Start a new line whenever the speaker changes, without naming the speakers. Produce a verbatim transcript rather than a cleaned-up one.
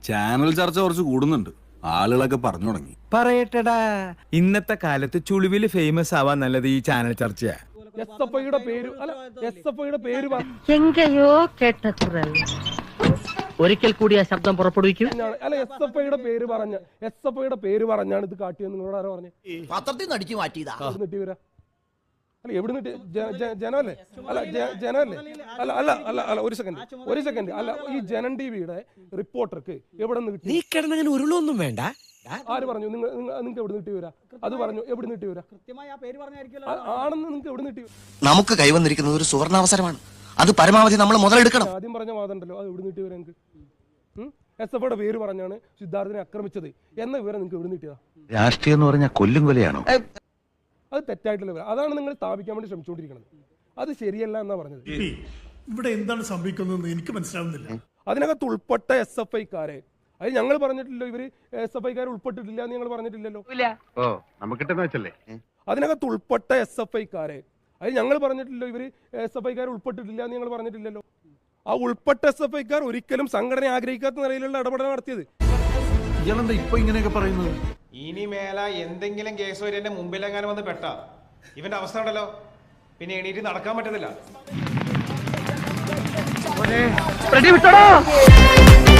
Channel ചർച്ച കുറച്ച് കൂടുന്നുണ്ട്, ആളുകളൊക്കെ പറഞ്ഞു തുടങ്ങി.
പറയട്ടടാ, ഇന്നത്തെ കാലത്ത് ചുളിവില് ഫേമസ് ആവാൻ നല്ലത് ഈ ചാനൽ ചർച്ചയാ.
എസ് എഫ് ഐയുടെ പേര് അല്ല എസ് എഫ് ഐയുടെ പേര്
എങ്കയോ കേട്ട കുറൽ ഒരിക്കൽ കൂടി ആ ശബ്ദം പുറപ്പെടുവിക്കും.
അല്ല എസ് എഫ് ഐയുടെ പേര് പറഞ്ഞ എസ് എഫ് ഐയുടെ പേര് പറഞ്ഞാണ് ഇത് കാട്ടിയെന്ന് നിങ്ങളോട് ആരോ പറഞ്ഞു?
പത്രത്തിൽ നിന്ന് അടിച്ചു മാറ്റിയതാ.
നീട്ടി വരാ അല്ല എവിടെ നിട്ടി ജനമല്ലേ? അല്ല ജനമല്ലേ? അല്ല അല്ല അല്ല അല്ല ഒരു സെക്കൻഡ് ഒരു സെക്കൻഡ് അല്ല ഈ ജനൻ ടി വിയുടെ റിപ്പോർട്ടർക്ക് എവിടെ നിന്ന് കിട്ടി?
നീ കിടന്നങ്ങനെ ഉരുളൊന്നും വേണ്ട.
ആര് പറഞ്ഞു? നിങ്ങൾ നിങ്ങൾക്ക് എവിടെ നീട്ടി വരാ? അത് പറഞ്ഞു എവിടെ നീട്ടി വരാ? ആണെന്ന് നിങ്ങൾക്ക് എവിടെ നീട്ടി?
നമുക്ക് കൈവന്നിരിക്കുന്നത് ഒരു സുവർണാവസരമാണ്, അത് പരമാവധി നമ്മൾ മുതലെടുക്കണം.
ആദ്യം പറഞ്ഞ വാദം ഉണ്ടല്ലോ, അത് എവിടെ നീട്ടി വരാ? നിങ്ങൾക്ക് എസ് എഫ് ഐയുടെ പേര് പറഞ്ഞാണ് സിദ്ധാർത്ഥിനെ ആക്രമിച്ചത് എന്ന വിവരം നിങ്ങൾക്ക് എവിടെ നീട്ടിയതാ?
രാഷ്ട്രീയം എന്ന് പറഞ്ഞാൽ കൊല്ലും കൊലയാണോ?
അത് തെറ്റായിട്ടുള്ള വിവരം. അതാണ് നിങ്ങൾ സ്ഥാപിക്കാൻ വേണ്ടി ശ്രമിച്ചുകൊണ്ടിരിക്കുന്നത്. അത് ശരിയല്ല എന്നാ പറഞ്ഞത്.
ഇവിടെ എന്താണ് സംഭവിക്കുന്നത് എനിക്ക് മനസ്സിലാവുന്നില്ല.
അതിനകത്ത് ഉൾപ്പെട്ട എസ് എഫ് ഐക്കാരെ അത് ഞങ്ങൾ പറഞ്ഞിട്ടില്ലോ, ഇവര് എസ് എഫ് ഐക്കാർ ഉൾപ്പെട്ടിട്ടില്ല എന്ന് ഞങ്ങൾ പറഞ്ഞിട്ടില്ലല്ലോ. അതിനകത്ത് ഉൾപ്പെട്ട എസ് എഫ് ഐക്കാരെ അത് ഞങ്ങൾ പറഞ്ഞിട്ടില്ലോ, ഇവര് എസ് എഫ് ഐക്കാർ ഉൾപ്പെട്ടിട്ടില്ല എന്ന് ഞങ്ങൾ പറഞ്ഞിട്ടില്ലല്ലോ. ആ ഉൾപ്പെട്ട എസ് എഫ് ഐക്കാർ ഒരിക്കലും സംഘടന ആഗ്രഹിക്കാത്ത നിലയിലുള്ള ഇടപെടൽ നടത്തിയത്.
ഇയാളെന്താ ഇപ്പൊ ഇങ്ങനെയൊക്കെ പറയുന്നത്?
ഇനി മേല എന്തെങ്കിലും കേസ് വരെ എന്റെ മുമ്പിലെങ്ങാനും വന്ന് പെട്ട ഇവന്റെ അവസ്ഥ ഉണ്ടല്ലോ, പിന്നെ എണീറ്റ് നടക്കാൻ പറ്റത്തില്ല.